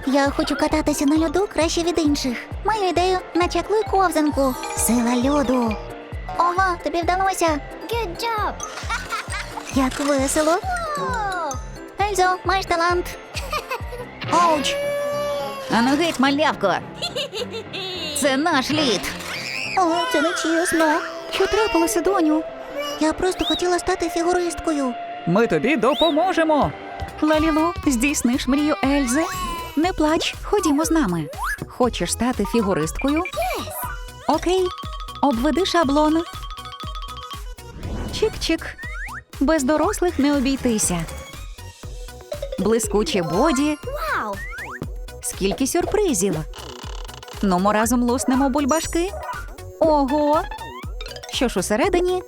Я хочу кататися на льоду краще від інших. Маю ідею, начаклуй ковзанку. Сила льоду. Ого, тобі вдалося. Good job. Як весело. Ельзо, маєш талант. Оуч. Ану геть, малявко. Це наш лід. О, це не чесно. Що трапилося, доню? Я просто хотіла стати фігуристкою. Ми тобі допоможемо. Лалілу, здійсниш мрію Ельзи? Не плач, ходімо з нами. Хочеш стати фігуристкою? Окей, обведи шаблон. Чик-чик. Без дорослих не обійтися. Блискуче боді. Wow. Скільки сюрпризів. Ну, ми разом луснемо бульбашки. Ого! Що ж усередині?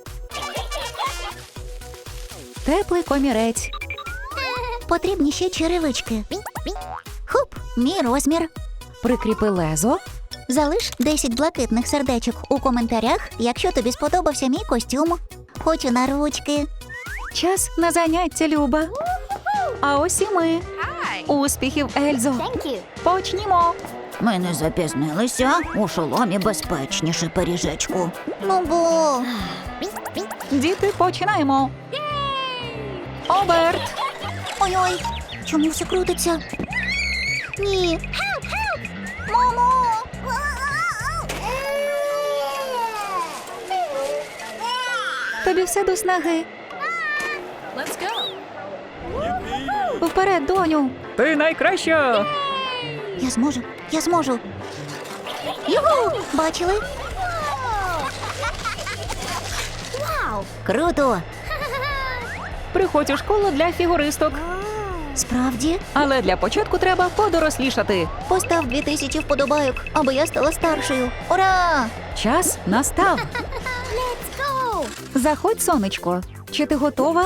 Теплий комірець. Потрібні ще черевички. Хуп, мій розмір. Прикріпи лезо. Залиш 10 блакитних сердечок у коментарях, якщо тобі сподобався мій костюм. Хочу на ручки. Час на заняття, Люба. А ось і ми. Успіхів, Ельзо. Thank you. Почнімо. Ми не запізнилися. У шоломі безпечніше, пиріжечку. Ну бо... Діти, починаємо. Оберт. Ой-ой, чому все крутиться? Ні. Мамо! Тобі все до снаги. Вперед, доню. Ти найкраща. Я зможу, я зможу. Юху! Бачили? Wow. Круто! Приходь у школу для фігуристок. Справді? Але для початку треба подорослішати. Постав 2000 вподобайок, аби я стала старшою. Ура! Час настав. Let's go. Заходь, сонечко. Чи ти готова?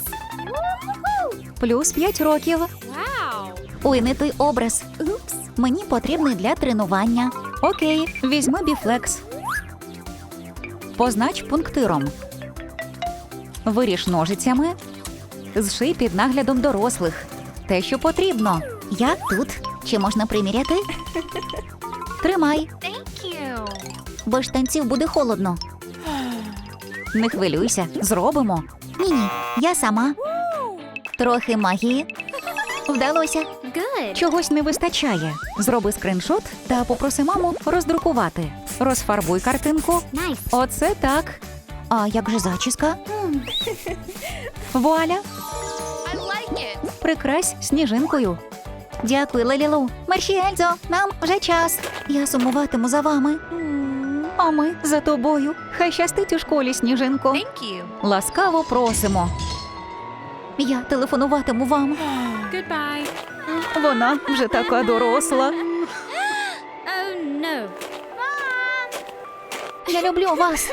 Плюс 5 років. Wow. Ой, не той образ. Oops. Мені потрібний для тренування. Окей, візьми біфлекс. Познач пунктиром. Виріж ножицями. Зший під наглядом дорослих. Те, що потрібно. Я тут. Чи можна приміряти? Тримай. Thank you. Без штанців буде холодно. Не хвилюйся, зробимо. Ні-ні, я сама. Трохи магії. Вдалося. Good. Чогось не вистачає. Зроби скриншот та попроси маму роздрукувати. Розфарбуй картинку. Nice. Оце так. А як же зачіска? Вуаля. I like it. Прикрась сніжинкою. Дякую, Лалілу. Мерші, Ельзо, нам вже час. Я сумуватиму за вами. А ми за тобою. Хай щастить у школі, сніжинко. Thank you. Ласкаво просимо. Я телефонуватиму вам. Goodbye. Вона вже така доросла. Oh no. Я люблю вас.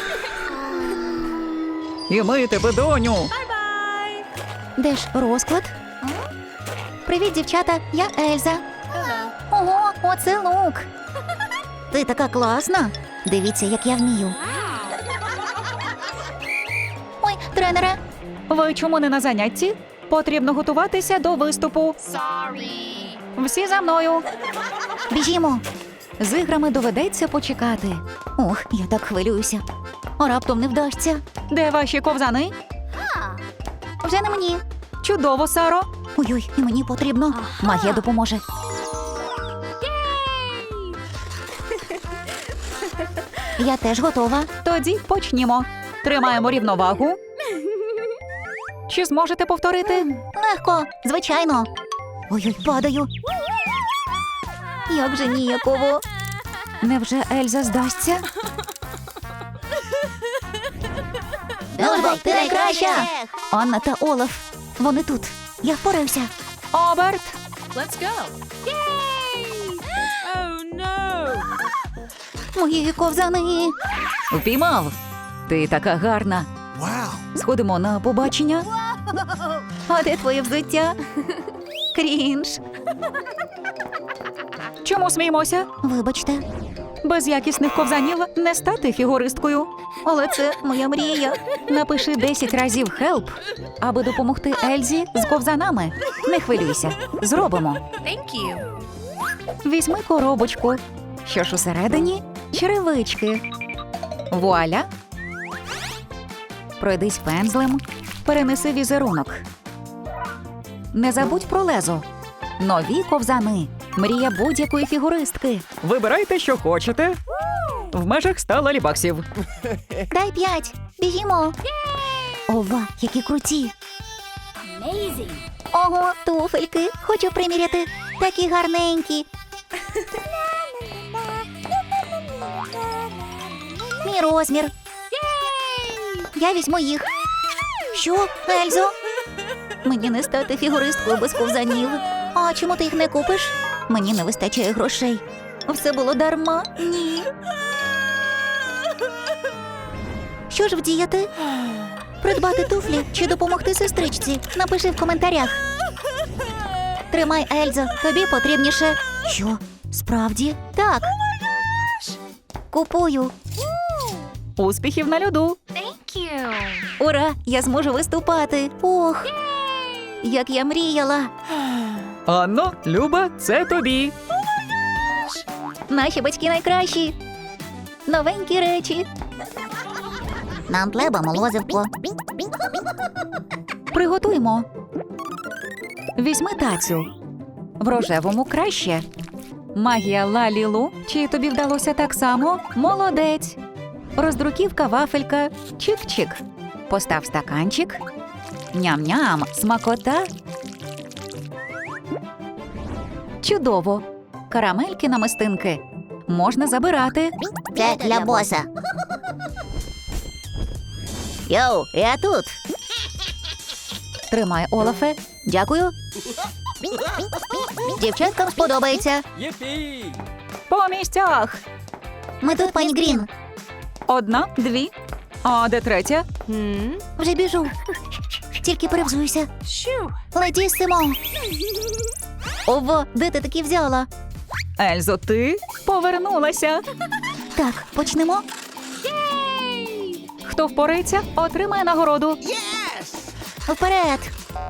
І ми тебе, доню. Bye. Де ж розклад? Привіт, дівчата, я Ельза. Hello. Ого, оце лук. Ти така класна. Дивіться, як я вмію. Ой, тренере. Ви чому не на занятті? Потрібно готуватися до виступу. Sorry. Всі за мною. Біжімо. З іграми доведеться почекати. Ох, я так хвилююся. А раптом не вдасться. Де ваші ковзани? Вже не мені. Чудово, Саро. Ой-ой, і мені потрібно. Магія допоможе. Я теж готова. Тоді почнімо. Тримаємо рівновагу. Чи зможете повторити? Легко, звичайно. Ой-ой, падаю. Як же ніяково. Невже Ельза здасться? Дружбо, ти найкраща! Анна та Олаф. Вони тут. Я впораюся. Оберт. Let's go. Yay! Oh no. Мої ковзани. Впіймав. Ти така гарна. Сходимо на побачення. А де твоє взуття? Крінж. Чому сміємося? Вибачте. Без якісних ковзанів не стати фігуристкою. Але це моя мрія. Напиши 10 разів «Help», аби допомогти Ельзі з ковзанами. Не хвилюйся, зробимо. Thank you. Візьми коробочку. Що ж усередині? Черевички. Вуаля. Пройдись пензлем. Перенеси візерунок. Не забудь про лезо. Нові ковзани. Мрія будь-якої фігуристки. Вибирайте, що хочете. В межах 100 лалібаксів. Дай 5. Бігімо. Ова, які круті. Ого, туфельки. Хочу приміряти. Такі гарненькі. Мій розмір. Я візьму їх. Що, Ельзо? Мені не стати фігуристкою без ковзанів. А чому ти їх не купиш? Мені не вистачає грошей. Все було дарма? Ні. Що ж вдіяти? Придбати туфлі чи допомогти сестричці? Напиши в коментарях. Тримай, Ельзо, тобі потрібніше. Що? Справді? Так. Купую. Успіхів на льоду. Thank you. Ура! Я зможу виступати. Ох, як я мріяла. Анно, Люба, це тобі. Наші батьки найкращі. Новенькі речі. Нам треба молозивко. Приготуймо. Візьми тацю. В рожевому краще. Магія Лалілу. Чи тобі вдалося так само? Молодець. Роздруківка вафелька. Чик-чик. Постав стаканчик. Ням-ням. Смакота. Чудово. Карамельки намистинки. Можна забирати. Це для боса. Йоу, я тут. Тримай, Олафе. Дякую. Дівчаткам сподобається. По місцях. Ми тут, пані Грін. 1, 2. А де третя? Вже біжу. Тільки перевзуйся. Shoo. Летісимо. Ова, де ти такі взяла? Ельзо, ти повернулася. Так, почнемо. Хто впорається, отримає нагороду. Вперед.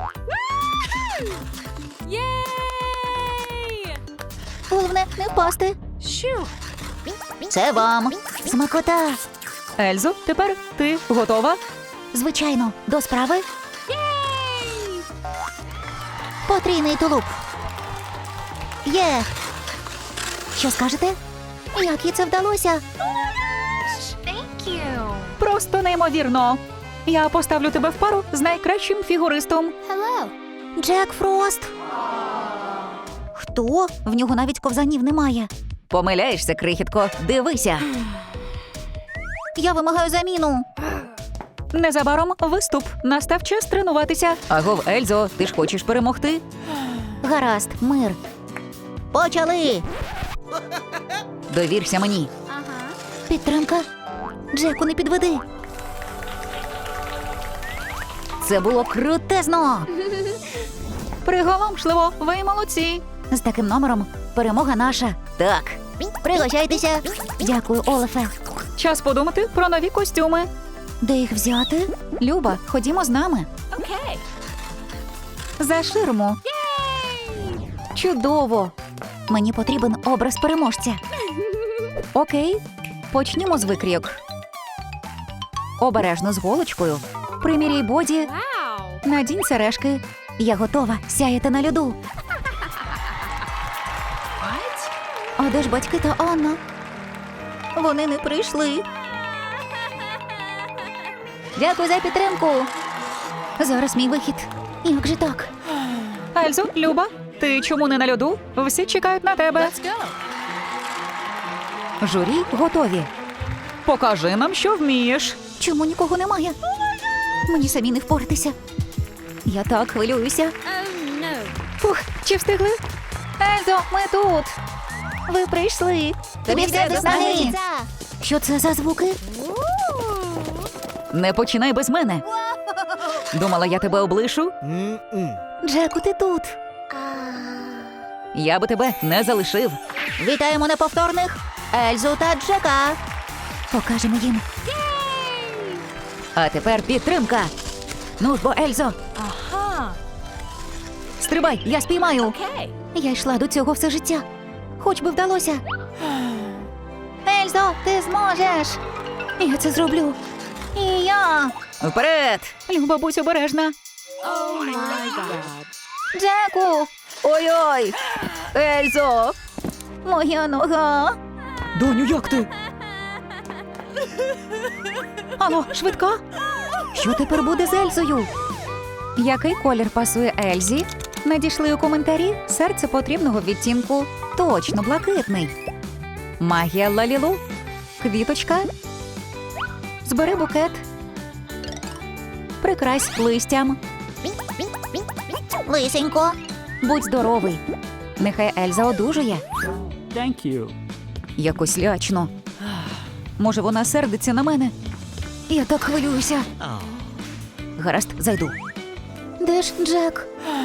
Yay! Головне, не впасти. Shoo. Це вам. Смакота. Ельзо, тепер ти готова? Звичайно, до справи. Yay! Потрійний тулуп. Є. Що скажете? Як їй це вдалося? Thank you. Просто неймовірно. Я поставлю тебе в пару з найкращим фігуристом. Hello. Джек Фрост. Хто? В нього навіть ковзанів немає. Помиляєшся, крихітко. Дивися. Я вимагаю заміну. Незабаром виступ. Настав час тренуватися. Агов, Ельзо, ти ж хочеш перемогти? Гаразд, мир. Почали. Довірся мені. Підтримка. Джеку, не підведи. Це було крутезно. Приголомшливо, ви молодці. З таким номером перемога наша. Так. Пригощайтеся. Дякую, Олафе. Час подумати про нові костюми. Де їх взяти? Люба, ходімо з нами. Okay. За ширму. Чудово. Мені потрібен образ переможця. Окей. Почнімо з викрійок. Обережно з голочкою. Приміряй боді. Wow. Надінь сережки. Я готова сяяти на льоду. What? А де ж батьки та Анна? Вони не прийшли. Дякую за підтримку. Зараз мій вихід. Як же так? Ельзо, Люба, ти чому не на льоду? Всі чекають на тебе. Let's go. Журі готові. Покажи нам, що вмієш. Чому нікого немає? Мені самі не впоратися. Я так хвилююся. Oh no. Фух, чи встигли? Ельзо, ми тут. Ви прийшли. Тобі все до снаги. Що це за звуки? Не починай без мене. Думала, я тебе облишу? Джеку, ти тут. Я би тебе не залишив. Вітаємо неповторних. Ельзу та Джека. Покажемо їм. А тепер підтримка. Ну ж бо, Ельзо, Aha. стрибай, я спіймаю. Okay. Я йшла до цього все життя. Хоч би вдалося. Ельзо, ти зможеш. Я це зроблю. І я. Вперед! Люба, будь обережна. Oh my God. Джеку, Ой-ой! Ельзо! моя нога. Доню, як ти? Алло, швидка? Що тепер буде з Ельзою? Який колір пасує Ельзі? Надійшли у коментарі серце потрібного відтінку. Точно блакитний. Магія Лалілу. Квіточка. Збери букет. Прикрась листям. Лисенько. Будь здоровий. Нехай Ельза одужує. Thank you. Якось лячно. Може, вона сердиться на мене? Я так хвилююся. Гаразд, зайду. Де ж Джек?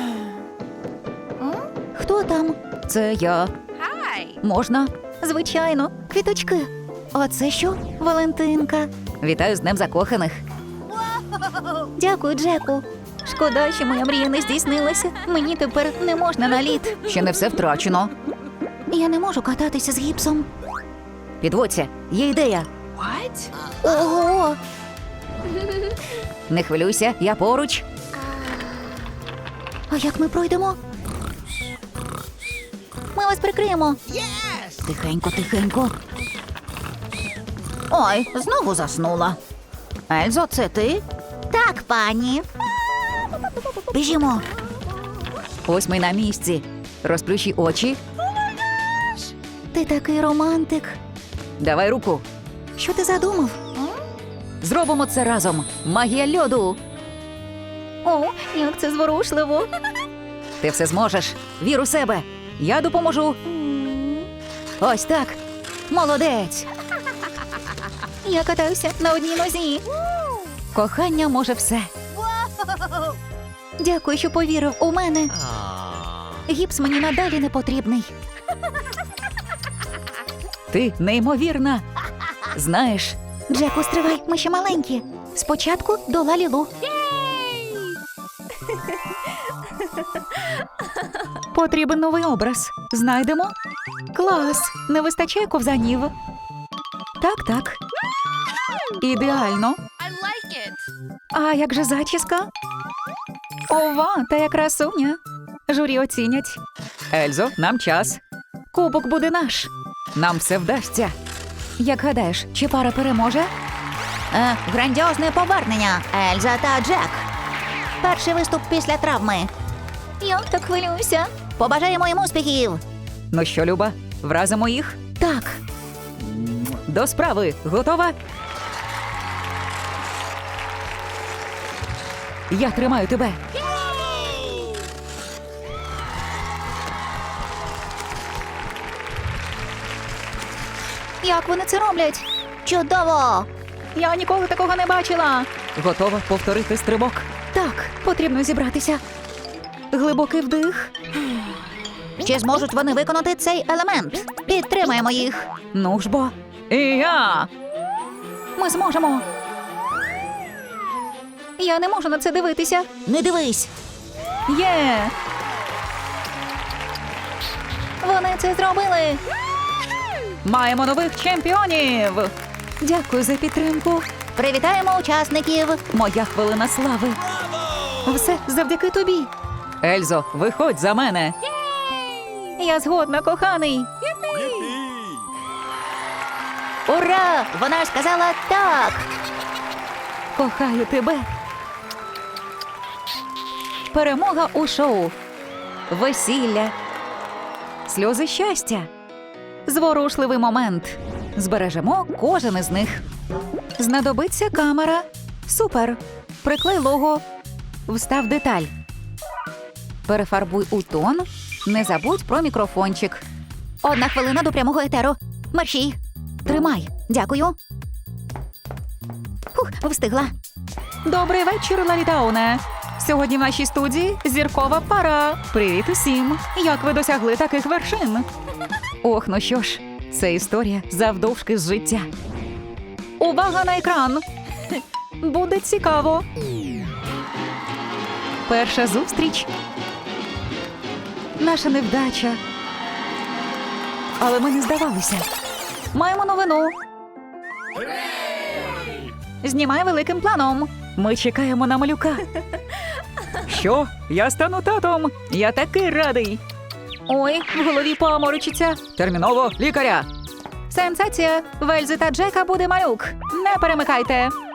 Хто там? Це я. Hi. Можна? Звичайно, квіточки. А це що? Валентинка. Вітаю з Днем закоханих. Дякую, Джеку. Шкода, що моя мрія не здійснилася. Мені тепер не можна на лід. Ще не все втрачено. Я не можу кататися з гіпсом. Підводься, є ідея. What? Ого! Не хвилюйся, я поруч. А як ми пройдемо? Ми вас прикриємо. Тихенько, тихенько. Ой, знову заснула. Ельзо, це ти? Так, пані. Біжімо. Ось ми на місці. Розплющи очі. Ти такий романтик. Давай руку. Що ти задумав? Зробимо це разом. Магія льоду. О, як це зворушливо. Ти все зможеш. Вір у себе. Я допоможу. Ось так. Молодець. Я катаюся на одній нозі. Кохання може все. Дякую, що повірив у мене. Гіпс мені надалі не потрібний. Ти неймовірна. Знаєш, Джеку, стривай, ми ще маленькі. Спочатку до Лалілу. потрібен новий образ. Знайдемо? Клас! Не вистачає ковзанів. Так. Ідеально. I like it. А як же зачіска? Ова, та я красуня. Журі оцінять. Ельзо, нам час. Кубок буде наш. Нам все вдасться. Як гадаєш, чи пара переможе? Грандіозне повернення. Ельза та Джек. Перший виступ після травми. Я так хвилююся. Побажаємо їм успіхів. Ну що, Люба, вразимо їх? Так. До справи. Готова? Я тримаю тебе. Як вони це роблять? Чудово! Я ніколи такого не бачила. Готова повторити стрибок? Так, потрібно зібратися. Глибокий вдих. Чи зможуть вони виконати цей елемент? Підтримаємо їх. Ну ж бо. І я. Ми зможемо. Я не можу на це дивитися. Не дивись. Є. Вони це зробили. Маємо нових чемпіонів. Дякую за підтримку. Привітаємо учасників. Моя хвилина слави. Все завдяки тобі. Ельзо, виходь за мене. Я згодна, коханий. Ура! Вона ж сказала так. Кохаю тебе. Перемога у шоу. Весілля. Сльози щастя. Зворушливий момент. Збережемо кожен із них. Знадобиться камера. Супер. Приклей лого. Встав деталь. Перефарбуй у тон. Не забудь про мікрофончик. 1 хвилина до прямого етеру. Мерщій. Тримай. Дякую. Встигла. Добрий вечір, Лалітауне. Сьогодні в нашій студії зіркова пара. Привіт усім. Як ви досягли таких вершин? Ох, ну що ж, Це історія завдовжки з життя. Увага на екран! Буде цікаво. Перша зустріч. Наша невдача. Але ми не здавалися. Маємо новину. Знімай великим планом. Ми чекаємо на малюка. Що? Я стану татом. Я такий радий. Ой, в голові паморочиться. Терміново лікаря. Сенсація. В Ельзи та Джека буде малюк. Не перемикайте.